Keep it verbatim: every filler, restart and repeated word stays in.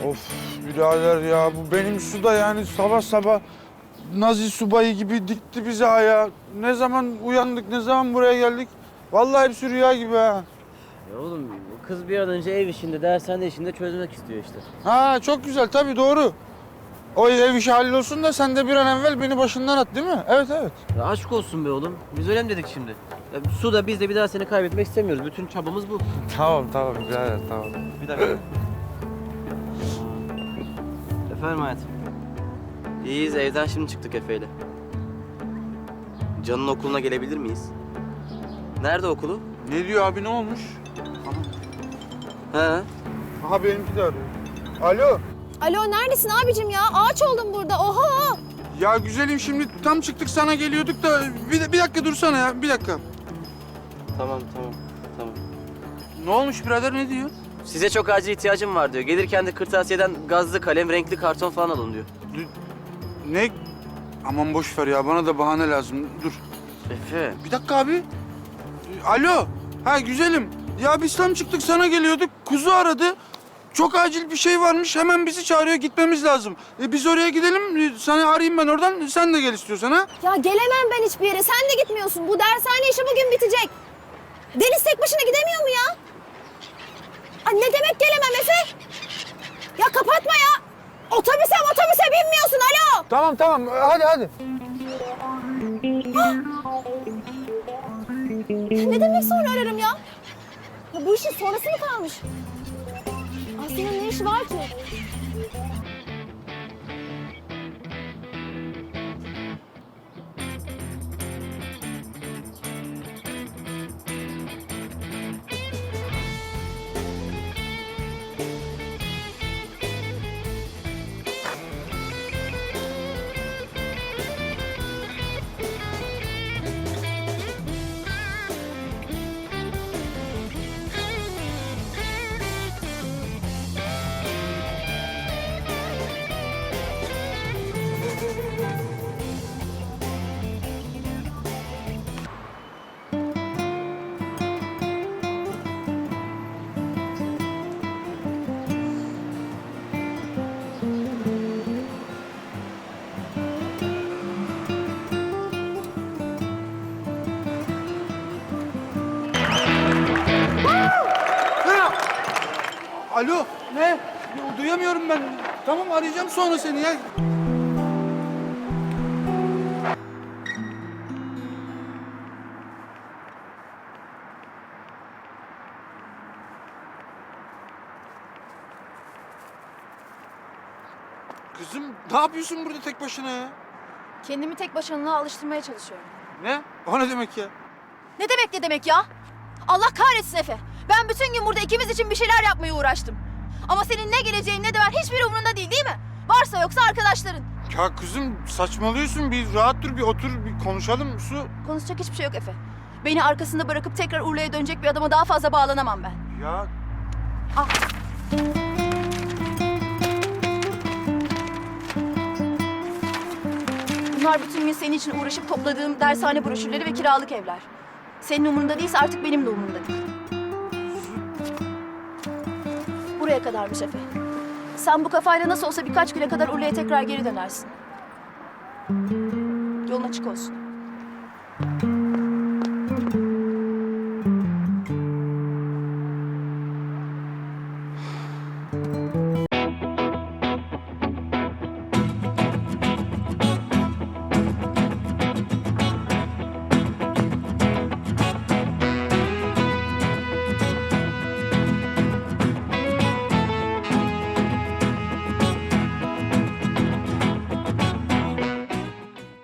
Of birader ya, bu benim su da yani sabah sabah Nazi subayı gibi dikti bizi ayağa. Ne zaman uyandık, ne zaman buraya geldik? Vallahi hepsi rüya gibi ha. Ya oğlum bu kız bir an önce ev işinde, dershane işinde çözmek istiyor işte. Ha çok güzel, tabii doğru. O ev işi hallolsun da sen de bir an evvel beni başından at, değil mi? Evet, evet. Ya aşk olsun be oğlum. Biz öyle mi dedik şimdi? Ya su da biz de bir daha seni kaybetmek istemiyoruz. Bütün çabamız bu. Tamam, tamam birader, tamam. Bir dakika. Efendim hayatım. İyiyiz, evden şimdi çıktık Efe'yle. Can'ın okuluna gelebilir miyiz? Nerede okulu? Ne diyor abi, ne olmuş? He. Aha benimki de arıyor. Alo. Alo neredesin abicim ya? Ağaç oldum burada. Oha! Ya güzelim, şimdi tam çıktık sana geliyorduk da bir, bir dakika dursana ya, bir dakika. Tamam, tamam, tamam. Ne olmuş birader, ne diyor? Size çok acil ihtiyacım var diyor. Gelirken de kırtasiyeden gazlı kalem, renkli karton falan alın diyor. Ne? Aman boş ver ya, bana da bahane lazım. Dur. Efe. Bir dakika abi. Alo. Ha güzelim. Ya biz tam çıktık sana geliyorduk. Kuzu aradı. Çok acil bir şey varmış. Hemen bizi çağırıyor. Gitmemiz lazım. E, biz oraya gidelim. E, Sana arayayım ben oradan. Sen de gel istiyorsan ha. Ya gelemem ben hiçbir yere. Sen de gitmiyorsun. Bu dershane işi bugün bitecek. Deniz tek başına gidemiyor mu ya? Ay ne demek gelemem Efe? Ya kapatma ya. Otobüse otobüse binmiyorsun. Alo. Tamam tamam. Hadi hadi. Ne demek sonra ararım ya? Ya bu işin sonrası mı kalmış? Aslı'nın ne işi var ki? Alo. Ne? Duyamıyorum ben. Tamam arayacağım sonra seni ya. Kızım ne yapıyorsun burada tek başına ya? Kendimi tek başına alıştırmaya çalışıyorum. Ne? O ne demek ya? Ne demek ne demek ya? Allah kahretsin Efe. Ben bütün gün burada ikimiz için bir şeyler yapmaya uğraştım. Ama senin ne geleceğin ne de var hiçbir umurunda değil değil mi? Varsa yoksa arkadaşların. Ya kızım saçmalıyorsun. Bir rahat dur, bir otur, bir konuşalım Su. Konuşacak hiçbir şey yok Efe. Beni arkasında bırakıp tekrar Urla'ya dönecek bir adama daha fazla bağlanamam ben. Ya Al. Bunlar bütün gün senin için uğraşıp topladığım dershane broşürleri ve kiralık evler. Senin umurunda değilse artık benim de umurumda değil. Buraya kadarmış Efe. Sen bu kafayla nasıl olsa birkaç güne kadar Urla'ya tekrar geri dönersin. Yolun açık olsun.